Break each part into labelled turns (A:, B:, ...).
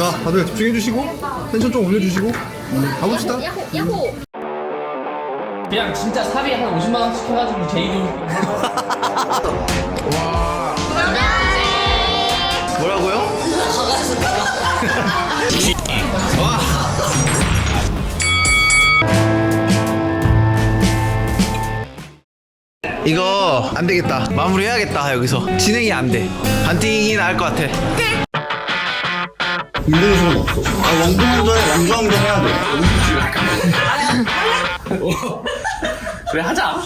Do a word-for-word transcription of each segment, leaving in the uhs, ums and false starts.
A: 자, 다들 집중해주시고 텐션 좀 올려주시고 음, 가봅시다.
B: 야호!
C: 그냥 진짜 사비 한 오십만 원씩 해가지고 제 이름
A: 뭐라고요? 와. 이거 안 되겠다. 마무리해야겠다. 여기서 진행이 안 돼. 반띵이 나을 것 같아.
D: 힘든 수는 없어. 아, 왕중왕전에 왕중왕전 해야 돼.
C: 그래 하자.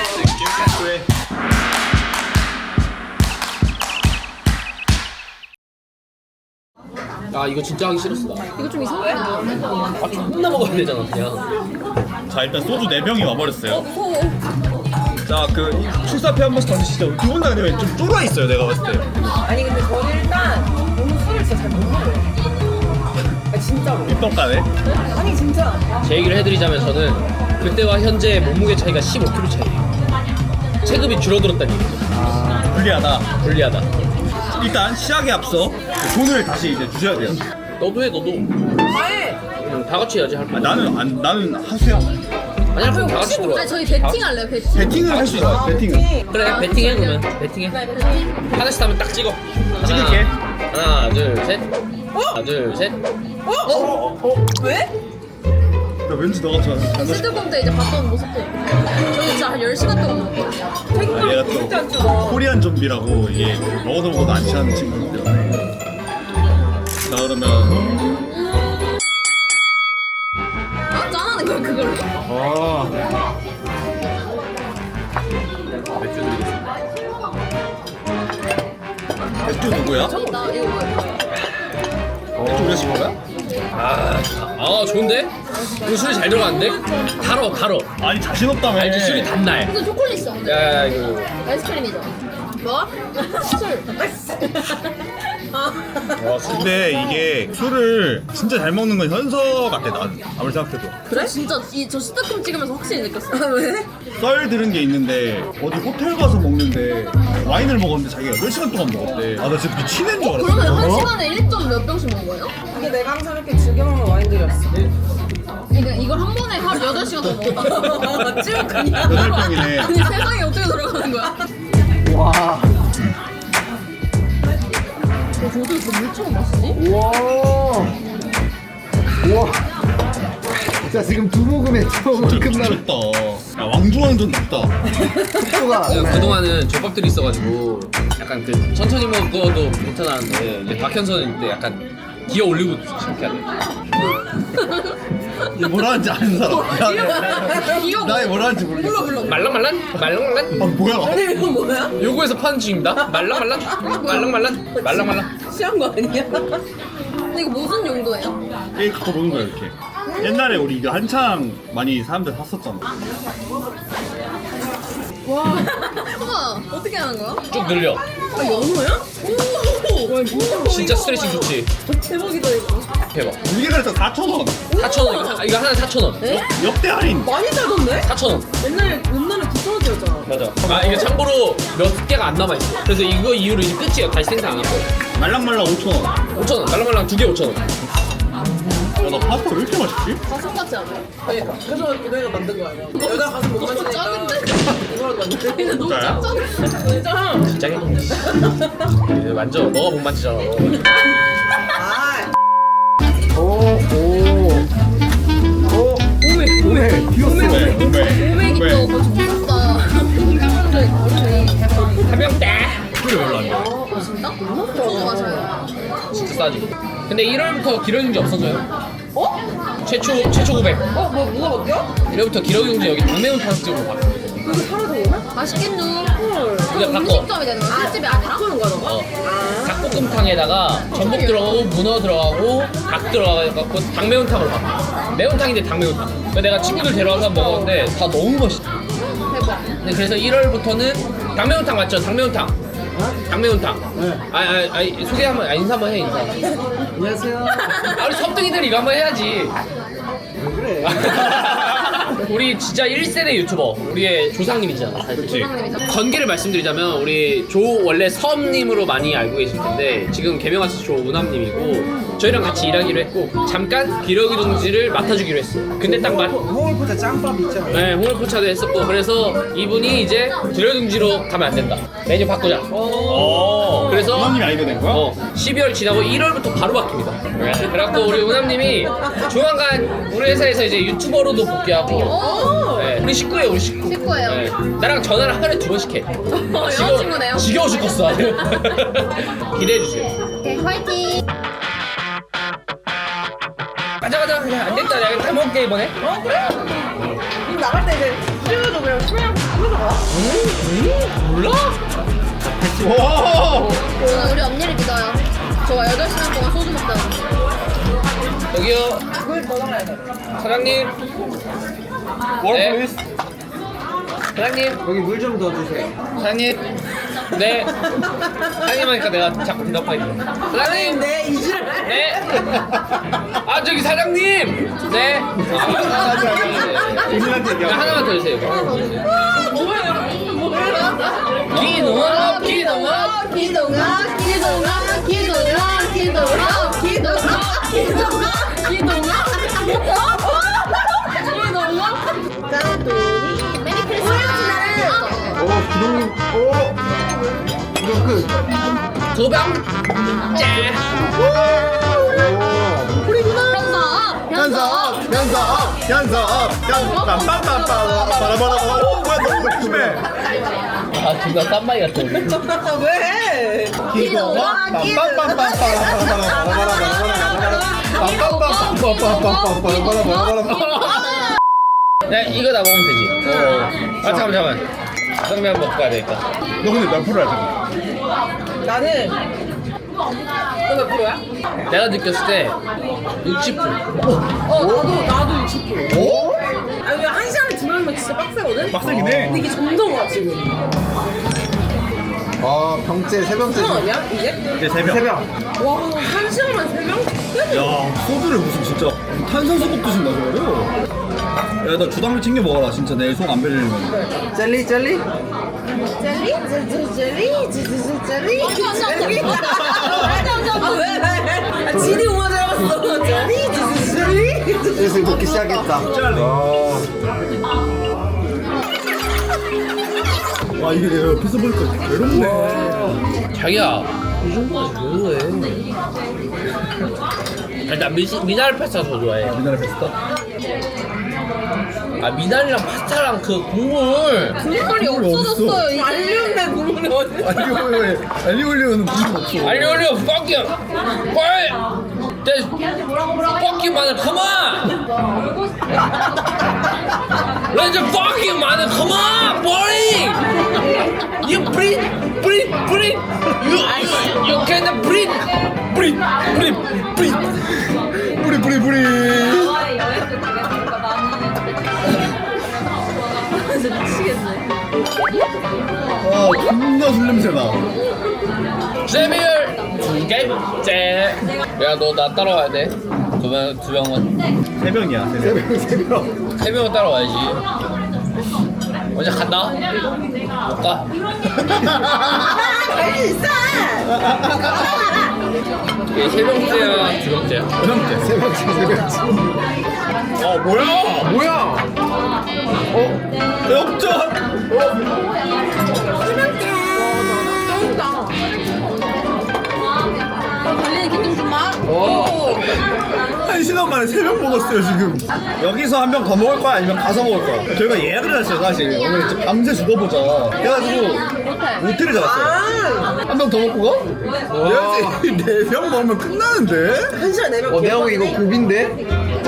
C: 아 이거 진짜 하기 싫었어 나.
B: 이거 좀 이상해.
C: 아 존나 먹어야 되잖아 그냥.
E: 자 일단 소주 네 병이 와버렸어요. 자 그 출사표 한 번씩 더 드시죠. 두 분 다 근데 좀 쫄아 있어요 내가 봤을 때.
F: 아니 근데 저는 일단 너무 술을 진짜 잘 못 먹어요. 아, 진짜로.
E: 입덕가네.
F: 아니 진짜.
C: 제 얘기를 해드리자면 저는 그때와 현재 몸무게 차이가 십오 킬로그램 차이. 체급이 줄어들었다는 얘기죠.
E: 불리하다.
C: 불리하다.
E: 일단 시작에 앞서 돈을 다시 이제 주셔야 돼요.
C: 너도 해 너도.
F: 아예.
C: 응, 다 같이 해야지 할 거.
E: 아, 나는 안 나는 하수야.
C: 아니야 그럼 다 같이 들어와.
B: 아니 저희 배팅 할래요 배팅.
E: 배팅을 할 수 있어. 배팅을.
C: 그래 배팅해 그러면 배팅해. 하나씩 하면 딱 찍어.
E: 찍을게.
C: 하나 둘 셋. 하나 둘 셋.
F: 왜?
E: 나 왠지 너가 좋아.
B: 시드콤 때 이제 봤던 모습도 저희 진짜 한 열 시간 동안 먹었거든요.
E: 아, 얘가
F: 진짜 안
E: 또
F: 좋아.
E: 코리안 좀비라고 이게 먹어도 먹어도 안 취하는 친구인데. 자 그러면
B: 아, 짠하는 거야 그걸로?
E: 아
C: 맥주 드리겠습니다.
E: 맥주 누구야?
B: 나 이거 뭐야?
E: 맥주 우리가 시킨 거야?
C: 아, 아 좋은데? 이거 술이 잘 들어가는데? 달어 달어.
E: 아니 자신 없다며.
C: 알지 술이 단날.
B: 이거 초콜릿 있어.
C: 야 이거
B: 아이스크림이죠. 뭐? 술.
E: 근데 이게 술을 진짜 잘 먹는 건 현서 같아 난 아무리 생각해도.
B: 그래? 진짜 이 저 시드콤 찍으면서 확실히 느꼈어. 왜?
E: 썰 들은 게 있는데 어디 호텔 가서 먹는데 와인을 먹었는데 자기가 여덟 시간 동안 먹었대. 아 나 진짜 미치는 줄 알았어.
B: 그러면 한
E: 어?
B: 시간에 일 점 몇 병씩 먹은 거예요?
F: 이게 내가 항상 이렇게 즐겨 먹는 와인들이었어.
B: 그러니까 이걸 한 번에 하루 여덟 시간 동안 먹었다. 쭉 그냥.
E: 여덟 병이네.
B: 아니 세상이 어떻게 돌아가는 거야?
A: 와.
B: 어, 저도 이거 물 처음 마시지?
A: 우와. 우와. 자, 지금 두 모금에 처음 끝나는
E: 미쳤다. 야 왕중왕전 났다.
A: 속도가.
C: 내가 그동안은 족밥들이 있어가지고 약간 그 천천히 먹어도 괜찮았는데 이제 박현선은 이때 약간 기어 올리고 시작해야 돼.
E: 얘 뭐라 하는지 아는 사람.
B: 이거
E: 나이 뭐라 하는지 모르겠어.
C: 말랑말랑 말랑말랑
E: 아 뭐야?
F: 아니 이거 뭐야?
C: 요거에서 파는 중입니다. 말랑말랑 말랑말랑 말랑말랑.
F: 취한 거 아니야?
B: 근데 이거 무슨 용도예요?
E: 얘 갖고 노는 거야 이렇게. 옛날에 우리 이거 한창 많이 사람들 샀었잖아.
B: 우와 어떻게 하는 거야?
C: 쭉 늘려.
F: 아 연어야? 오. 와 진짜
C: 진짜 스트레칭 좋지.
F: 대박이다 이거.
C: 대박.
E: 우리가 그래서 사천 원.
C: 사천 원 이거, 이거 하나 사천 원.
F: 에?
E: 역대 할인.
F: 많이 사던데?
C: 사천 원.
F: 옛날에 옛날에 구천 원짜리였잖아.
C: 맞아. 아 이게 참고로 몇 개가 안 남아 있어. 그래서 이거 이후로 이제 끝이야. 다시 생산 안 할 거야.
E: 말랑말랑 오천 원.
C: 오천 원. 말랑말랑 두 개 오천 원.
E: 야나 파스타 왜 이렇게 맛있지?
B: 가슴 같지 않아요?
F: 그러니까 그래서 너희가 만든 거야 이거. 여자 가슴 못
B: 너무
F: 만지니까
B: 작은데?
F: 이거라도 만들자.
B: 근데 너무
E: 진짜요?
B: 작잖아.
F: 진짜.
C: 진짜 이거 만져. 너가 못 만지잖아.
F: 아.
A: 오, 오. 오,
F: 오메
A: 오메. 귀엽네.
E: 왜? 왜?
B: 오백이 또 거의 무섭다. 사람들 거의
C: 한 명다.
E: 술이 별로 안 돼.
B: 아 진짜? 소주 마셔요.
C: 진짜 싸지. 근데 일월부터 기러기용지 없어져요.
F: 어?
C: 최초 최초 구백.
F: 어? 뭐 뭐가 바뀌어?
C: 일월부터 기러기용지 여기 당매운 타격집으로 바뀌어.
F: 그거 사라져 오나?
B: 맛있겠누.
F: 헐.
C: 이제 바꿔.
B: 음식점이 되는 거야? 술집이 아니라?
F: 바꾸는 거야 너가?
C: 어. 닭볶음탕에다가 전복 들어가고 문어 들어가고 닭 들어가고 당매운탕으로 바뀌어. 매운탕인데 당매운탕. 그래서 내가 친구들 데려와서 먹었는데 다 너무 맛있어.
B: 대박.
C: 네, 그래서 일월부터는 당매운탕 맞죠? 당매운탕. 당매운탕.
A: 네.
C: 아, 아, 아, 소개 한번, 아, 인사 한번 해, 인사.
A: 안녕하세요.
C: 아, 우리 섭등이들 이거 한번 해야지.
A: 왜 그래?
C: 우리 진짜 일 세대 유튜버 우리의 조상님이잖아.
E: 그렇지.
C: 전개를 말씀드리자면 우리 조 원래 섬님으로 많이 알고 계실 텐데 지금 개명하신 조은함님이고 저희랑 같이 일하기로 했고 잠깐 기러기 동지를 맡아주기로 했어요. 근데 딱 맞.
G: 홍을포차 짱밥 있잖아.
C: 네, 홍을포차도 했었고 그래서 이분이 이제 기러기동지로 가면 안 된다. 메뉴 바꾸자.
E: 오.
C: 그래서
E: 부모님이 아이디어 낸 거야?
C: 어, 십이월 지나고 일월부터 바로 바뀝니다. 그래갖고 우리 은함님이 조만간 우리 회사에서 이제 유튜버로도 복귀하고 네, 우리 식구예요, 우리 식구.
B: 식구예요.
C: 네, 나랑 전화를 하루에 두 번씩 해.
B: 여자친구네요.
C: 지겨워 죽겠어. 기대해주세요.
B: 오케이, 화이팅.
C: 가자, 가자. 그냥 안 됐다. 내가 다 먹을게, 이번에.
F: 어 그래? 그럼 나갈 때 이제 수요도 그냥 수요랑 부르는 거야?
C: 몰라?
E: 와.
B: 저는 우리 언니를 믿어요. 저와 여덟 시간 동안 소주 먹다가.
C: 여기요.
F: 그걸 더 나가야 돼.
C: 사장님.
E: 월
C: 네.
E: 플리즈.
C: 사장님.
G: 여기 물 좀 더 주세요.
C: 사장님. 네. 사장님 하니까 내가 자꾸 대답하겠네. 사장님.
F: 네 이지랄.
C: 네. 아 저기 사장님. 네. 아,
E: 본인한테
C: 네.
E: 얘기하고.
C: 하나만 더 주세요.
F: 뭐예요? 뭐예요?
C: 기농아, 기농아.
B: 기동아, 기동아, 기동아, 기동아, 기동아, 기동아, 기동아, 기동아. 짠돌이. 메리 크리스마스.
G: 오, 기동님. 오. 이거 끝.
C: 두 병. 짠.
B: 우리구나.
A: 연습, 연습, 연습, 연습. 빰빰빰빰. 바라바라. 오, 뭐야 너무 심해.
C: 아 존나 딴마이 같아. 우리.
F: 왜?
B: 기동아, 기동아.
C: 네 이거 다 먹으면 되지. 어. 아 잠깐 잠깐. 짜장면 먹고 가야 되니까.
E: 너 근데 몇 프로야 지금?
F: 나는 너몇 프로야?
C: 내가 느꼈을 때 육십 프로.
F: 어 나도 나도 육십 프로.
E: 오?
F: 아니 왜한 시간에 두 명이면 진짜 빡세거든?
E: 빡세긴 해.
F: 근데 이게 점점 와 지금.
G: 아, 병째, 세 병째.
F: 형 아니야 이게?
E: 이제 세 명.
G: 세 병.
F: 와 한 시간만 세 명?
E: 야 소주를 무슨 진짜 탄산수급 드신다 저거를. 야나 주당을 챙겨 먹어라 진짜 내일 속 안 베리려면.
G: 젤리, 젤리?
F: 젤리? 젤리? 젤리? 젤리? 젤리? 아 왜? 왜? 아 지디 우마 잘 봤어. 젤리? 젤리?
G: 슬슬 먹기 시작했다.
E: 와 이게 내가 옆에서 보니까 괴롭네.
C: 자기야 이 정도까지 왜 그래? 아니 나 미, 미나리 파스타 더 좋아해.
E: 미나리 페스타?
C: 아 미나리랑 파스타랑 그 국물.
B: 국물이 없어졌어요. 이제.
F: 알리오네 국물이 어디?
E: 알리올리오에 알리올리오는 무슨 없어.
C: 알리 올려 fuck you. 뭘? There's fuck you 마늘 come on. Let's fuck you 마늘 come on. Boring. You breathe, breathe, breathe. You you, you can breathe, breathe, breathe, breathe.
E: 뿌리 뿌리 뿌리. 아 존나 술 냄새나.
C: 세비열 두 개째. 야 너 나 따라와야 돼. 두명두 명은
E: 세 병이야 세 병. 세 병.
C: 세 명은 따라와야지. 언제 간다? 못 가.
F: 할수 있어.
C: 이게 세 병째야 두 병째야?
E: 세 병째.
G: 세 병째, 세 병째.
E: 아 뭐야?
G: 뭐야?
E: 어? 역전.
B: 달리는 기둥 좀 마.
E: 한 시간 만에 세 병 먹었어요 지금. 여기서 한 병 더 먹을 거야 아니면 가서 먹을 거야? 저희가 예약을 했어요 사실. 오늘 이제 밤새 죽어보자. 그래가지고 모텔을 잡았어요. 한 병 더 먹고 가? 네 병 먹으면 끝나는데?
F: 한 시간 내면
G: 어, 내가 보기 이거 고비인데?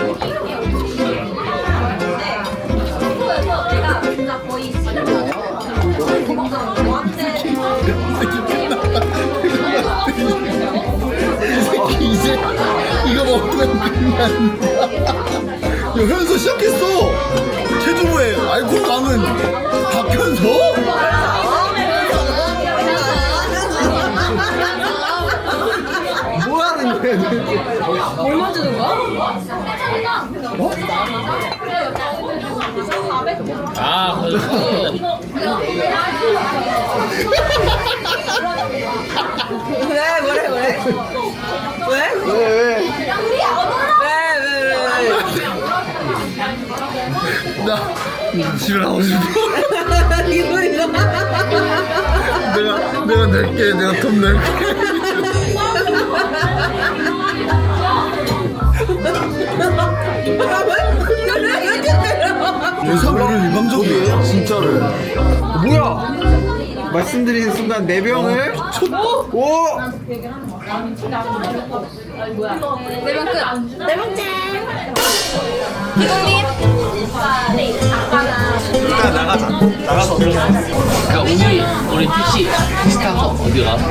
E: 이제 이거 먹으면 끝난다. 야 현서 시작했어. 체주부의 알코올 강은 박현서?
G: 뭐 하는 거야,
F: 뭘 만드는 거야?
E: 어?
C: 아 그래서
F: 왜 뭐래 뭐래 왜?
G: 왜 왜?
F: 왜왜왜
E: 나 집에 나오고 싶어.
F: 이거 이거
E: 내가 내가 낼게. 내가 돈 낼게.
F: 왜 이렇게 때려?
E: 대사를 일방적이에요.
G: 진짜로. 뭐야? 말씀드리는 순간 네 병을 오!
B: 네명 끝.
F: 네 번째
B: 기동님.
E: 일단 나가자. 나가서
C: 그러니까 우리 우리 택시 택시 타서 어디 가?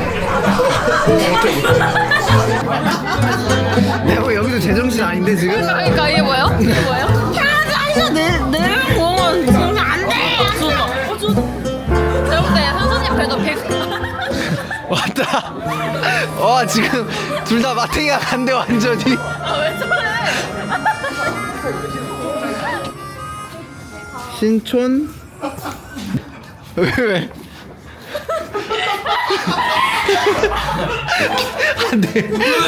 G: 내가 뭐 여기도 제정신 아닌데 지금?
B: 그러니까 이게 뭐예요? 이게 뭐예요?
F: 편의점에서 내내명 먹으면 정말 안돼
B: 제가 볼때 현수님 배도 백.
G: 왔다. 와 지금 둘 다 마탱이가 간대 완전히.
B: 아왜 저래?
G: 신촌 왜 왜? 안돼.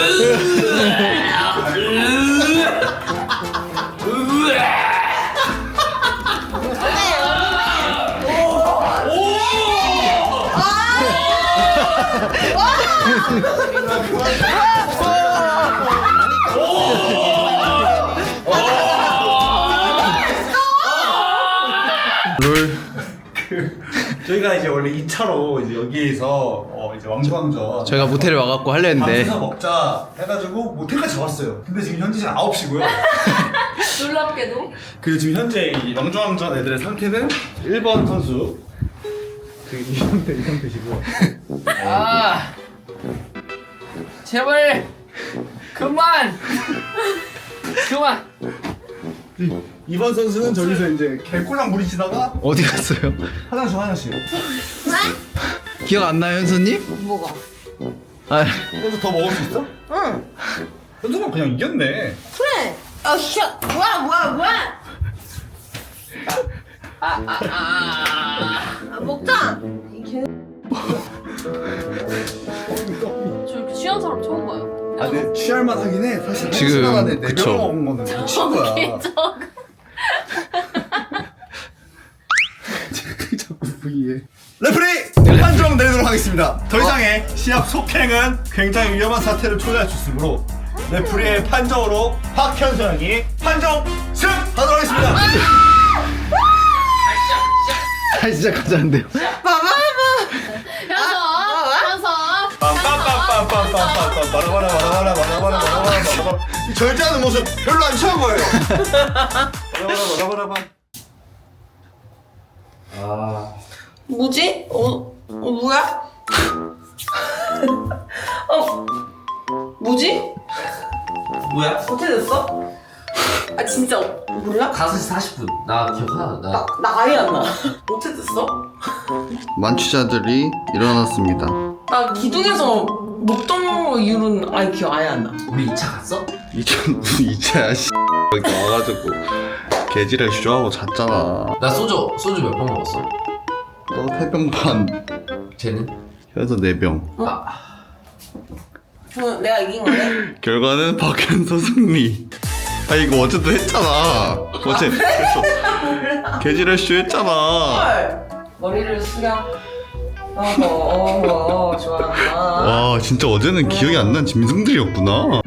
G: 롤.
E: 저희가 이제 원래 이 차로 이제 여기에서 어 이제 왕주왕전
G: 저희가 모텔에 와갖고 하려 했는데
E: 밤새서 먹자 해가지고 모텔까지 잡았어요. 근데 지금 현재 시간 아홉 시고요.
B: 놀랍게도.
E: 그리고 지금 현재 이 왕주왕전 애들의 상태는 일 번 선수 그 이 상태 이 상태시고
C: 아 제발 그만 그만.
E: 이 번 선수는 저기서 이제 개꿀랑 부리시다가
G: 어디 갔어요?
E: 화장실 화장실
G: 기억 안 나요 현수님?
F: 뭐가?
G: 아
E: 그래서 더 먹을 수 있어?
F: 응
E: 현수가 그냥 이겼네.
F: 그래 아 씨 뭐야 뭐야 뭐야 아 먹자
B: 저 이렇게 취한 사람 처음 봐요.
E: 아, 근데 취할만 하긴 해. 사실
G: 지금,
E: 시간 안에 네
G: 그쵸.
E: 병 먹은 거는 미친 거야.
B: 개적.
E: 자꾸 부기해. 레프리 판정 내리도록 하겠습니다. 더 이상의 시합 속행은 굉장히 위험한 사태를 초래할 수 있으므로 레프리의 판정으로 박현수 형이 판정 승하도록 하겠습니다.
G: 다시 시작하자는데요.
B: 현서. 현서.
E: 빰빰빰빰빰빰빰빰 바라바라 바라바라 바라바라 바라바라 이 절제하는 모습 별로 안 취한 거예요. 바라바라 바라바라
F: 뭐지? 어, 어 뭐야? 어 뭐지?
C: 뭐야?
F: 어떻게 됐어? 아 진짜 몰라?
C: 다섯 시 사십 분. 나 기억하나? 나
F: 나, 나 아예 안 나. 어떻게 됐어?
D: 만취자들이 일어났습니다.
F: 나 기둥에서 먹던 이유는 아예 기억 아예 안 나.
C: 우리 이 차 갔어?
D: 이천 이차야 씨. 여기 와가지고 개지를 쇼하고 잤잖아.
C: 나 소주 소주 몇 병 먹었어?
D: 너 세 병 반,
C: 쟤는?
D: 그래서 네 병.
C: 아
F: 그럼 내가 이긴 거네?
D: 결과는 박현서 승리. 아 이거 어제도 했잖아. 어제 그래서 개지를 쇼 했잖아.
F: 헐. 머리를 숙여. 어허 어허 좋아한다.
D: 와 진짜 어제는 기억이 안 난 짐승들이었구나.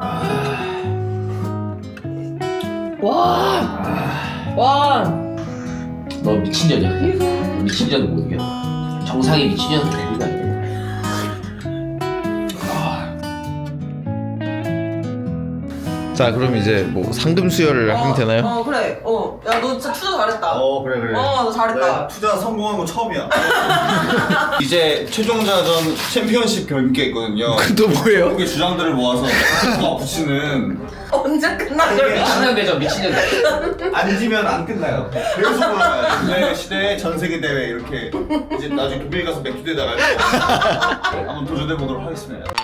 F: 와. 와.
C: 너 미친년이야 그냥. 미친년은 못 이겨. 정상의 미친년은 데뷔가 안 돼.
G: 자 그럼 이제 뭐 상금 수여를 하면 되나요?
F: 어 그래. 어. 야 너 진짜 투자 잘했다.
E: 어 그래 그래.
F: 어, 너 잘했다.
E: 내가 투자 성공한 건 처음이야. 이제 최종자전 챔피언십 경기가 있거든요.
G: 또 뭐예요?
E: 한국의 주장들을 모아서 다 붙이는.
F: 언제 끝나?
E: 이게
C: 미친년대죠 미친년대.
E: 안 지면 안 끝나요. 계속 올라가요. 근대 시대의 전 세계 대회 이렇게 이제 나중에 독일 가서 맥주 대회 나갈 거 한번 도전해 보도록 하겠습니다.